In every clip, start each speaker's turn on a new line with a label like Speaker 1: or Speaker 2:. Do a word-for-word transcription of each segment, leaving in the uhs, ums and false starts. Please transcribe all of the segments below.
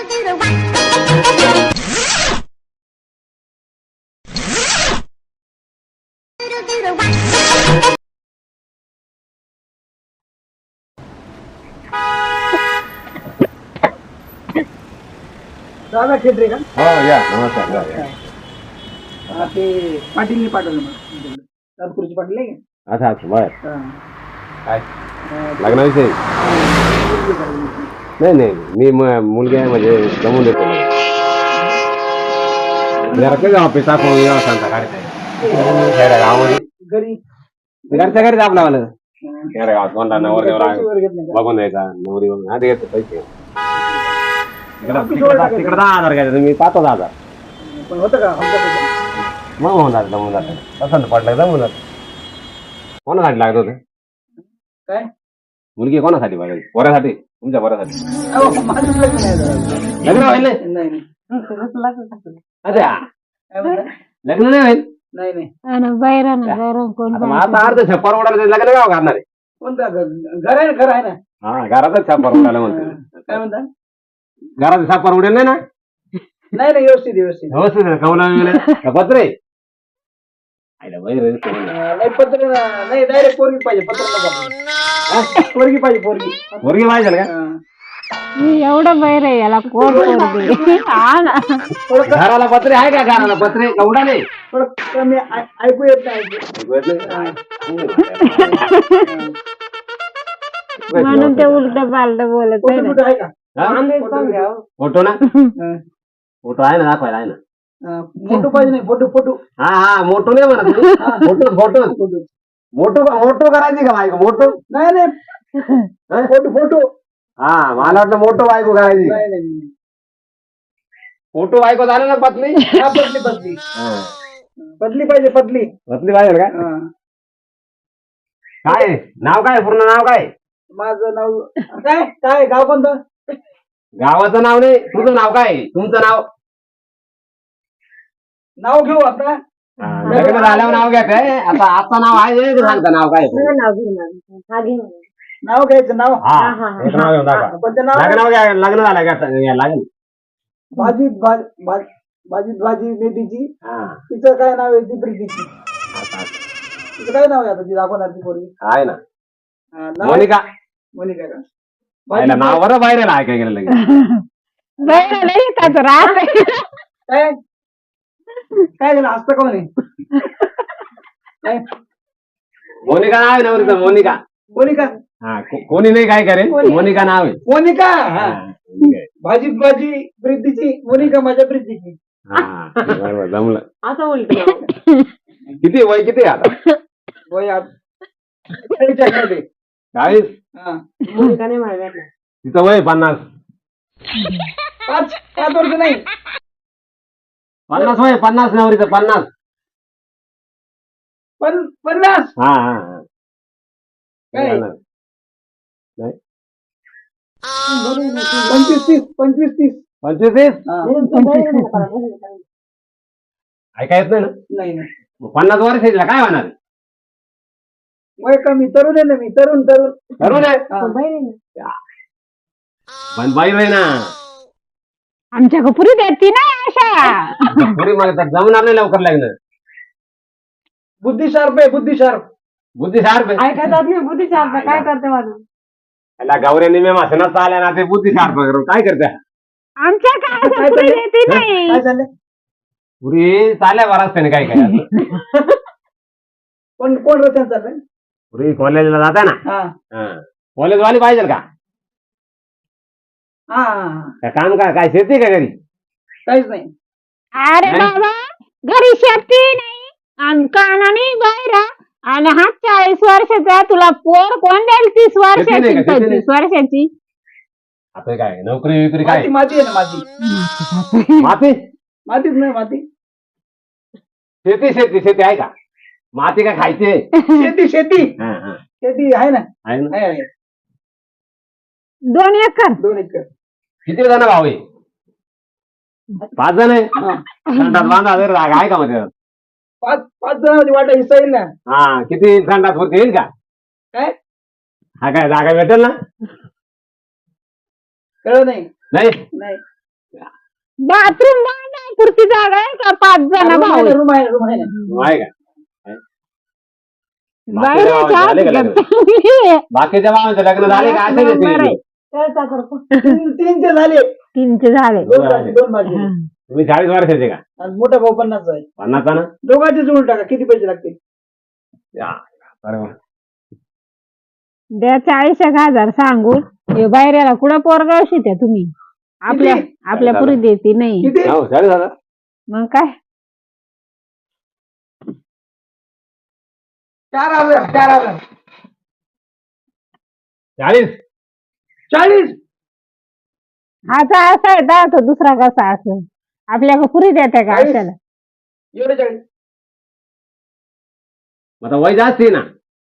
Speaker 1: दादा खेटरे का?
Speaker 2: हो या नमस्कार या, या.
Speaker 1: हा, ते पाटीलने पाठवलं मला तात्पुरची पाटील आहे का?
Speaker 2: अच्छा अच्छा बर
Speaker 1: हा.
Speaker 2: काय
Speaker 1: अं,
Speaker 2: लग्नाविषयी नाही नाही मी म- मुलगी आहे म्हणजे जमून देतो जरा काही ऑफिस टाकून या सांगता काढताय गावामध्ये
Speaker 1: घरी
Speaker 2: घरच्या घरीच आपला वाला
Speaker 1: अं,
Speaker 2: खेड्या गावात कोणता नवर
Speaker 1: पैसे
Speaker 2: देवर
Speaker 1: वगैरे घेत नाही का?
Speaker 2: बघून द्यायचा नवरी बघून हा घेतो पैसे तिकडं
Speaker 1: ऑफिस
Speaker 2: तिकडं
Speaker 1: वर
Speaker 2: दहा-
Speaker 1: टाकायचं.
Speaker 2: तिकडं दहा हजार घ्यायचं मी पाच दहा हजार
Speaker 1: पण होतं का आमच्या पैसे?
Speaker 2: मग होऊन जातं जमून जातं पसंत पडलं जमून जातं कोणासाठी लागत होतं
Speaker 1: काय?
Speaker 2: मुलगी कोणासाठी बघायची पोरासाठी तुमच्या पोरासाठी
Speaker 1: अहो, माझं लग्न नाही झालं.
Speaker 2: लग्न व्हायला नाही?
Speaker 1: नाही नाही
Speaker 2: अच्छा
Speaker 1: काय म्हणता?
Speaker 2: लग्न नाही होईल
Speaker 1: नाही नाही
Speaker 3: बैरण बैरण कोण
Speaker 2: आता मग आता अर्ध छप्पर उडालं लग्न गाव करणार आहे
Speaker 1: कोणता घर घर आहे ना घर आहे ना
Speaker 2: हा घरातच छप्पर उडालं म्हणतो
Speaker 1: काय म्हणता?
Speaker 2: घरात छप्पर उडेल नाही ना
Speaker 1: नाही नाही व्यवस्थित व्यवस्थित
Speaker 2: व्यवस्थित आहे, कौला वगैरे पत्रे आईला बाई रे.
Speaker 1: अं, नाही पत्र नाही डायरेक्ट पोरगी पाहिजे पत्र नको. पोरगी पाहिजे पोरगी
Speaker 2: पोरगी पाहिजे का
Speaker 1: अं,
Speaker 3: एवढं बैर आहे याला कोण पोरगी हा ना
Speaker 1: थोडं क-
Speaker 2: घराला पत्रे आहे का घराला पत्रे कवडा नाही
Speaker 1: थोडं कमी ऐ- ऐकू येत नाही ऐकू.
Speaker 3: म्हणून ते उलट पालट बोलत आहे
Speaker 1: फोटो
Speaker 3: ना.
Speaker 1: बिटो आहे का?
Speaker 2: हा? फोटो ना
Speaker 1: अं,
Speaker 2: फोटो आहे ना दाखवायला आहे ना
Speaker 1: अं, फोटो पाहिजे नाही फोटो फोटो
Speaker 2: हा हा मोठो नाही म्हणा तुम्ही फोटो फोटो
Speaker 1: फोटो
Speaker 2: मोठो मोठो करायची का बायको मोठो
Speaker 1: नाही नाही फोटो फोटो
Speaker 2: हा मला वाटलं मोठो बायको करायची
Speaker 1: नाही नाही नाही.
Speaker 2: फोटो बायको झालं ना पत्नी
Speaker 1: हा, पतली पतली
Speaker 2: हा.
Speaker 1: पतली पाहिजे पतली
Speaker 2: पत्नी पाहिजे का
Speaker 1: अं,
Speaker 2: काय नाव काय पूर्ण नाव काय
Speaker 1: माझं नाव काय काय गाव कोणतं?
Speaker 2: गावाचं नाव नाही तुझं नाव काय तुमचं नाव
Speaker 1: नाव घेऊ आता
Speaker 2: हा, लग्न झाल्यावर नाव घ्या काय आता आता नाव आहे हे सांगता नाव काय
Speaker 1: नाव घ्यायचं नाव
Speaker 2: हा एक नाव घेऊन दाखवा
Speaker 1: पण ते नाव
Speaker 2: लग्न घ्या लग्न झालं का लागेल
Speaker 1: भाजी भाजी भाजी भाजी मेथीची
Speaker 2: हा
Speaker 1: तिचं काय नाव आहे ती प्रीतीची
Speaker 2: आता- आता.
Speaker 1: तिचं काय नाव आहे आता ती दाखवणार ती पोरगी
Speaker 2: आहे ना
Speaker 1: हा, नाव
Speaker 2: मोनिका
Speaker 1: मोनिका का
Speaker 2: पाहिलं नाव बरं बाहेर आहे काय गेलं लगेच
Speaker 3: बैर नाही का तो राहत
Speaker 1: काय काय झालं हसतं कोण आहे काय
Speaker 2: मोनिका नाव आहे ना वरचं, मोनिका
Speaker 1: मोनिका
Speaker 2: हा को- कोणी नाही काय करेल मोनिका नाव आहे
Speaker 1: मोनिका हा
Speaker 2: हा, मोनिका आहे.
Speaker 1: भाजी भाजी प्रीतीची मोनिका माझ्या प्रीतीची
Speaker 2: हा बरोबर जमलं
Speaker 1: असं उलट
Speaker 2: किती वय किती आहे आता
Speaker 1: वय आत- चाळीसच्या मध्ये.
Speaker 2: चाळीस
Speaker 1: हा.
Speaker 3: मोनिका नाही मला भेटला
Speaker 2: तिचं वय पन्नास
Speaker 1: पाच पाच वर्ष नाही
Speaker 2: पन्नास वय पन्नास नवरीचं पन्नास
Speaker 1: पण पन्नास
Speaker 2: हा हा हा
Speaker 1: काय?
Speaker 2: नाही
Speaker 1: पंचवीस तीस पंचवीस तीस
Speaker 2: पंचवीस तीस
Speaker 1: हा.
Speaker 2: ऐका येत नाही ना
Speaker 1: नाही नाही
Speaker 2: मग पन्नास वर्षाला काय होणार
Speaker 1: वय कमी तरुण आहे ना मी तरुण तरुण
Speaker 2: तरुण आहे
Speaker 1: हा.
Speaker 2: पण बाई बाई ना
Speaker 3: आमच्या कपुरी देती ना अशा
Speaker 2: पुरी मला तर जमणार नाही लवकर लागलं
Speaker 1: बुद्धी शार्प आहे बुद्धी शार्प
Speaker 2: बुद्धी शार्प आहे
Speaker 3: ऐकत नाही बुद्धी चालतं काय करते माझं
Speaker 2: त्याला गौऱ्याने मी मासनात आल्या ना ते बुद्धी शार्प करून काय करते
Speaker 3: आमच्या काय कपुरी देती नाही
Speaker 1: काय झालं
Speaker 2: पुरी चाल्या बराच त्याने काय काय
Speaker 1: कोण कोण रचना चाललंय
Speaker 2: पुरी कॉलेजला जाता ना
Speaker 1: हा
Speaker 2: कॉलेज वाली पाहिजे का
Speaker 1: हा हा.
Speaker 2: काय काम का काय शेती का घरी
Speaker 1: काहीच नाही
Speaker 3: अरे
Speaker 2: नाही.
Speaker 3: बाबा घरी शेती नाही आणि कानाने बैरा आणि हा चाळीस वर्षाचा तुला पोर कोण द्याल तीस
Speaker 2: शेती नाही
Speaker 3: वर्षाची
Speaker 2: का? शेती नाही.
Speaker 3: पंचवीस वर्षाची
Speaker 2: आता काय नोकरी विक्री काय
Speaker 1: माती माती आहे ना माती
Speaker 2: माती
Speaker 1: मातीच नाही माती
Speaker 2: शेती शेती शेती आहे का माती का खायची
Speaker 1: शेती शेती
Speaker 2: हा, हा.
Speaker 1: शेती आहे ना
Speaker 2: आहे ना
Speaker 1: आहे, आहे.
Speaker 3: दोन एकर
Speaker 1: दोन एकर
Speaker 2: किती जण भाऊ आहे पाच जण आहे
Speaker 1: हा.
Speaker 2: संडास बांधा जर जागा आहे का मध्ये
Speaker 1: पाच पाच जणांची वाटा हिस्सा येईल ना
Speaker 2: हा किती संडास वरती येईल का
Speaker 1: काय
Speaker 2: हा काय जागा भेटेल ना
Speaker 1: कळलं नाही
Speaker 2: नाही
Speaker 1: नाही
Speaker 3: बाथरूम नाही पुरती जागा आहे का पाच जण
Speaker 1: रूम
Speaker 3: भाऊ
Speaker 1: आहे
Speaker 3: आहेत?
Speaker 1: ना, रूम आहे ना, रूम आहे ना.
Speaker 2: आहे का
Speaker 3: बाहेर
Speaker 2: बाकीच्या
Speaker 3: आहे
Speaker 2: झाले का
Speaker 3: का?
Speaker 2: लग्न?
Speaker 3: चांगली आहे.
Speaker 2: बाकीच्या मामांचे लग्न झाले का असे
Speaker 3: नंबर आहे.
Speaker 1: तीन तीनचे झाले
Speaker 3: तीनचे झाले
Speaker 1: दोन बाकी दोन बाकी
Speaker 3: हा.
Speaker 2: तुम्ही चाळीस वर्षाचे का
Speaker 1: आणि मोठा भाऊ पन्नास आहे
Speaker 2: पन्नास ना
Speaker 1: दोघांचे जोडून टाका किती पैसे लागतील
Speaker 2: या, बरोबर.
Speaker 3: द्या चाळीस एक हजार सांगू हे बाहेरला कुठं पोरगाव शित्या तुम्ही आपल्या आपल्या पुरी देते नाही
Speaker 1: किती
Speaker 2: हो चाळीस हजार
Speaker 3: मग काय
Speaker 1: चार हजार चार हजार
Speaker 2: चाळीस
Speaker 1: चाळीस
Speaker 3: हाचा असा आहे का तो दुसरा कसा असं आपल्या पुरी देते का
Speaker 1: चाळीस.
Speaker 3: अशाला
Speaker 1: एवढे चाळीस
Speaker 2: मग आता वय जास्त आहे ना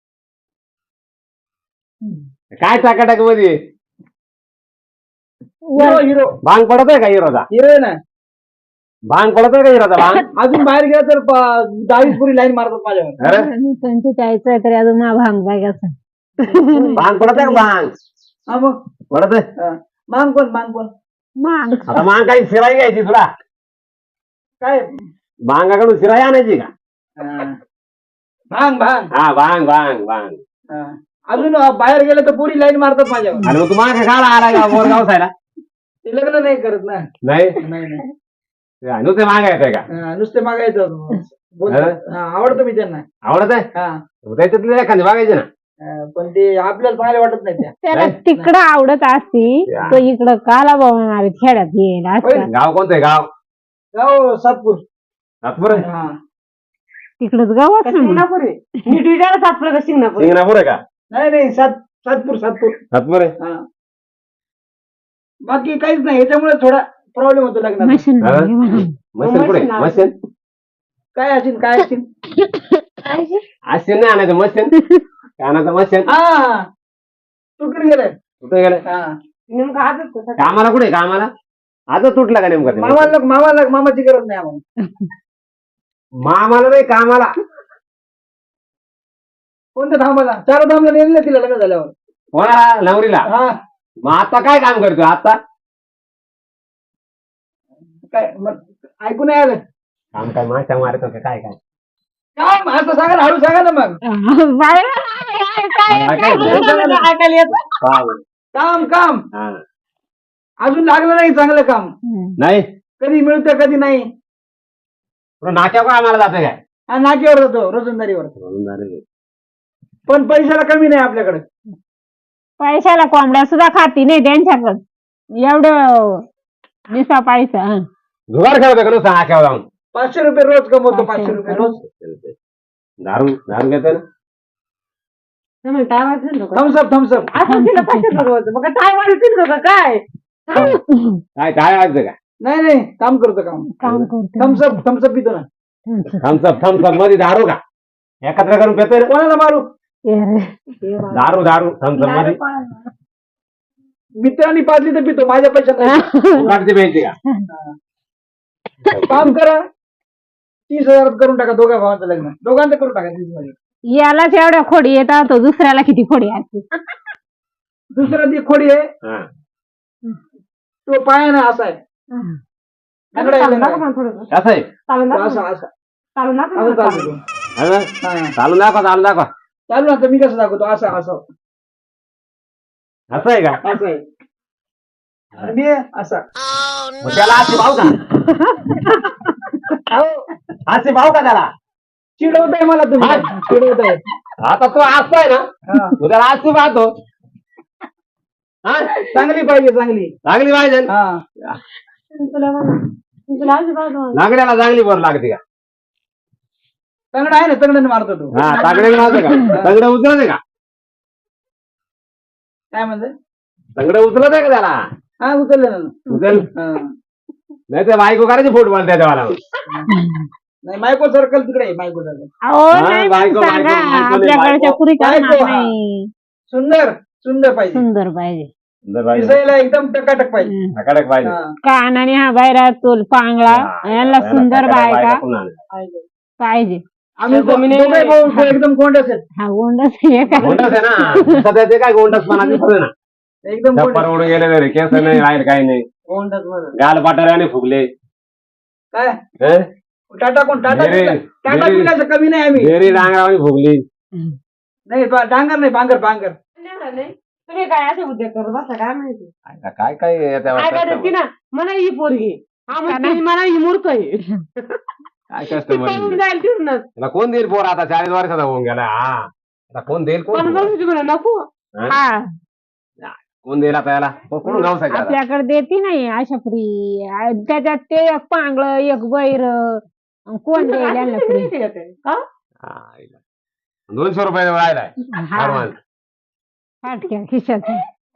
Speaker 2: काय टाकाटाक मध्ये
Speaker 1: हिरो हिरो
Speaker 2: भांग पडत आहे का हिरोचा
Speaker 1: हिरो आहे ना
Speaker 2: भांग पडत आहे का हिरोचा भांग
Speaker 1: अजून बाहेर गेला तर प- दहावीस पुरी लाईन मारतात माझ्यावर
Speaker 2: अरे
Speaker 3: पंचेचाळीस आहे तरी अजून मा भांग बघायचं
Speaker 2: भांग पडत आहे का भांग
Speaker 1: हा मग
Speaker 2: पडत आहे
Speaker 1: हा. मांग कोण मांग कोण
Speaker 3: माग
Speaker 2: आता भांग काही शिराई घ्यायची तुला
Speaker 1: काय
Speaker 2: भांगाकडून शिराई आणायची का
Speaker 1: हा. भांग भांग
Speaker 2: हा भांग भांग भांग
Speaker 1: हा. अजून बाहेर गेलं तर पुरी लाईन मारतात माझ्यावर
Speaker 2: आणि मग तू मागे काढा आला का बोरगाव सायला
Speaker 1: ते लग्न नाही करत ना
Speaker 2: नाही
Speaker 1: नाही नाही
Speaker 2: नुसते मागे येते का
Speaker 1: हा, नुसते मागायचं बोलतात. हा, आवडतो मी त्यांना
Speaker 2: आवडत आहे
Speaker 1: हा
Speaker 2: मग त्याच्यातले एखादी बघायचे ना
Speaker 1: हा, पण ते आपल्याला चांगले वाटत नाही त्या
Speaker 3: त्याला
Speaker 2: नाही.
Speaker 3: तिकडं आवडत असती
Speaker 2: या.
Speaker 3: तो इकडं काला बघणार खेड्यात येईल असं
Speaker 2: गाव कोणतं आहे गाव
Speaker 1: गाव सातपूर
Speaker 2: नागपूर आहे
Speaker 1: हा
Speaker 3: तिकडच गावात
Speaker 1: सिंगणापूर आहे नीट विचारा सातपूर का सिंगणापूर
Speaker 2: सिंगणापूर आहे का
Speaker 1: नाही नाही सात सातपूर सातपूर
Speaker 2: नागपूर आहे
Speaker 1: हा बाकी काहीच नाही याच्यामुळे थोडा प्रॉब्लेम होतो लग्नात
Speaker 3: मशीन
Speaker 2: हा?
Speaker 3: नाही म्हणून.
Speaker 2: मशीन कुठे मशीन
Speaker 1: काय असेल काय असेल
Speaker 2: असेल नाही आणायचं मशीन आणायचं मशीन
Speaker 1: हा तुटून गेलाय
Speaker 2: कुठे गेलं
Speaker 1: हा नेमकं आजच
Speaker 2: कामाला कुठे कामाला आता तुटला का नेमका ते machine?
Speaker 1: मामाला मामाला मामाची गरज नाही आम्हाला
Speaker 2: मामाला नाही कामाला
Speaker 1: कोणत्या धामाला चार धामला नेलं तिला लग्न झाल्यावर
Speaker 2: कोणाला नवरीला
Speaker 1: हा
Speaker 2: मग आता काय काम करतो आता
Speaker 1: काय मग ऐकून नाही आलं
Speaker 2: काम काय माशा मारतो का काय काय
Speaker 1: काय असं सांगा ना हळू सांगा ना मग
Speaker 3: बाहेर काय- काय-
Speaker 2: काय-
Speaker 3: काय-
Speaker 2: काय-
Speaker 1: ऐकायला येत
Speaker 2: काम.
Speaker 1: काम काम
Speaker 2: हा.
Speaker 1: अजून लागलं नाही चांगलं काम
Speaker 3: हम्म.
Speaker 2: नाही
Speaker 1: कधी मिळतं कधी नाही
Speaker 2: पुढं नाक्यावर काय आम्हाला जाते काय
Speaker 1: हा नाक्यावर जातो रोजंदारीवर पण पैशाला कमी नाही आपल्याकडे
Speaker 3: पैशाला कोंबड्या सुद्धा खाती नाही त्यांच्याकडे एवढं निसा पैसा हं.
Speaker 2: जुगार खेळतो का नुसतं नाक्यावर जाऊन
Speaker 1: पाचशे रुपये रोज कमवतो
Speaker 3: पाचशे
Speaker 1: पाचशे रुपये रोज
Speaker 2: दारू दारू घेतो ना
Speaker 1: थम्सअप थम्सअप
Speaker 3: काय
Speaker 2: काय काय वाजतं का
Speaker 1: नाही नाही काम करतो काम
Speaker 3: काम करतो
Speaker 1: थम्सअप थम्सअप पितो ना
Speaker 2: थम्सअप थम्सअप मध्ये दारू का एकत्र करून पेतोय ना
Speaker 1: कोणाला मारू
Speaker 2: दारू दारू थम्सअप मध्ये
Speaker 1: मित्रांनी पाजली तर पितो माझ्या पैशात नाही.
Speaker 2: उगाचची प्यायची का
Speaker 1: काम करा तीस हजारात करून टाका दोघा भावांचं लग्न दोघांचं करून टाका तीस मध्ये
Speaker 3: यालाच एवढ्या खोडी येतात तो दुसऱ्याला किती खोडी असते
Speaker 1: दुसरा ती खोडी आहे
Speaker 2: हा.
Speaker 1: तो पायानं असा आहे लंगडा आहे, लंगडा आहे.
Speaker 2: कसं आहे
Speaker 1: तो असा असा असं चालतो तो.
Speaker 2: हा ना?
Speaker 1: हा.
Speaker 2: चालून दाखवा चालून दाखवा
Speaker 1: चालू ना आता मी कसं दाखवतो असं असं
Speaker 2: असं आहे का
Speaker 1: असं आहे आणि मी असा
Speaker 2: मग त्याला असे भाऊ का असे भाऊ का त्याला
Speaker 1: चिडवत आहे मला तुम्ही चिडवत आहे
Speaker 2: आता तो असतोय ना
Speaker 1: हा.
Speaker 2: तू त्याला असतो पाहतो हा
Speaker 1: चांगली पाहिजे चांगली
Speaker 2: लागली पाहिजे ना?
Speaker 1: हा
Speaker 2: लागण्याला चांगली बर लागते का
Speaker 1: तंगड आहे ना तंगडने मारतो तो
Speaker 2: हा तागडे मारते का तगडे उचलते का
Speaker 1: काय म्हणते
Speaker 2: तगडे उचलत आहे का त्याला
Speaker 1: हा उचललं ना
Speaker 2: उचल
Speaker 1: हा.
Speaker 2: नाही तर बायको करायची फुटबॉल त्याच्या मला
Speaker 1: नाही मायको सर्कल तिकडे आहे मायको सर्कल
Speaker 3: अहो
Speaker 2: हा,
Speaker 3: नाही
Speaker 2: बायको,
Speaker 3: मग सांगा
Speaker 2: बायको, बायको,
Speaker 3: आपल्याकडच्या
Speaker 2: बायको.
Speaker 3: पुरी करणार
Speaker 1: बायको, हा.
Speaker 3: नाही
Speaker 1: सुंदर सुंदर पाहिजे
Speaker 3: सुंदर पाहिजे
Speaker 1: दिसायला एकदम टकाटक पाहिजे
Speaker 3: हं.
Speaker 2: कडक पाहिजे
Speaker 1: हा.
Speaker 3: कानाने हा बायरा तोल पांगळा यांना सुंदर बायका
Speaker 1: पाहिजे.
Speaker 3: पाहिजे
Speaker 1: आम्ही दोघे भाऊ एकदम कोंडस आहेत
Speaker 3: हा गोंडच हे काय
Speaker 2: गोंडस आहे ना सध्या ते काय गोंडस पण आधी ना
Speaker 1: एकदम
Speaker 2: छप्पर
Speaker 1: कोंडस
Speaker 2: उडून गेलेले रे केस नाही राहील काही नाही
Speaker 1: कोंडच म्हणा
Speaker 2: गाल पाटाऱ्याने फुगले
Speaker 1: काय
Speaker 2: हं?
Speaker 1: टाटा कोण टाटा
Speaker 2: बेरे-
Speaker 1: पिका- टाटा
Speaker 2: बेरे-
Speaker 1: पिकाचं कमी नाही आम्ही
Speaker 2: बेरी डांगरावानी फुगली
Speaker 1: नाही बा- डांगर नाही बांगर बांगर
Speaker 4: नाही तुम्ही काय असे उद्योग करत बसा काय माहिती
Speaker 2: आता काय काय याच्यावर
Speaker 4: काय
Speaker 2: customer?
Speaker 4: करते ना म्हणा ही पोरगी हा म्हणते म्हणा ही मूर्ख आहे
Speaker 2: काय
Speaker 4: ती
Speaker 2: कस्टमर
Speaker 4: पळून जाईल तिथूनच
Speaker 2: त्याला कोण देईल पोर आता चाळीस वर्षाचा होऊन गेला हा आता कोण देईल कोण
Speaker 4: पण जाऊ म्हणा नको
Speaker 2: हं?
Speaker 3: हा
Speaker 2: कोण देईल आता याला को- कोण गाव आता
Speaker 3: आपल्याकडे देती नाही अशा फ्री त्याच्यात ते एक पांगळ एक बैर कोण देईल यांना
Speaker 4: किती
Speaker 3: फ्री
Speaker 4: माहिती का ते? का?
Speaker 2: हा, इला. दोनशे रुपये राहिलाय advance.
Speaker 3: फाटक्या खिशात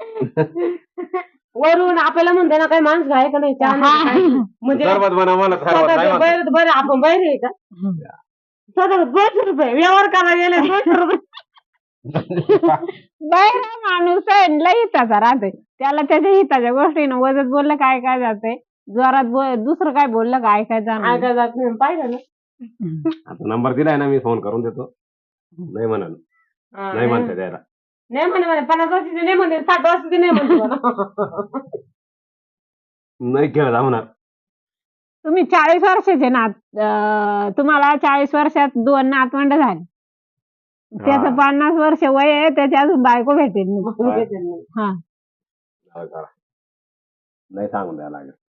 Speaker 4: वरून आपल्याला म्हणते ना काही माणूस आहे का नाही चहा नाही का काय? म्हणजे
Speaker 2: सरबत बनव मला सरबत नाही
Speaker 4: स्वतःचं
Speaker 2: म्हणत.
Speaker 4: बैर बैर आपण बैर आहे का स्वतः दोनशे रुपये व्यवहार करायला गेले दोनशे रुपये
Speaker 3: बैर माणूस आहे लय हिताचा राहते त्याला त्याच्या हिताच्या गोष्टीनं वजत बोललं काय काय जाते जोरात बोल दुसरं काय बोललं काय काय जाणार
Speaker 4: ऐका जात नाही पाहिजे ना
Speaker 2: आता नंबर दिलाय ना मी फोन करून देतो नाही म्हणाल
Speaker 4: हा,
Speaker 2: नाही म्हणते द्यायला
Speaker 4: नाही म्हणे म्हणे पन्नास वर्षाचे नाही म्हणते साठ वर्षाचे नाही म्हणते म्हणा.
Speaker 2: नाही खेळ जाणार
Speaker 3: तुम्ही चाळीस वर्षाचे ना अं, तुम्हाला चाळीस वर्षात दोन नातवंड झाले त्याचं पन्नास वर्ष वय आहे त्याची अजून बायको भेटेल नाही. हा
Speaker 2: नाही सांगून द्यायला लागेल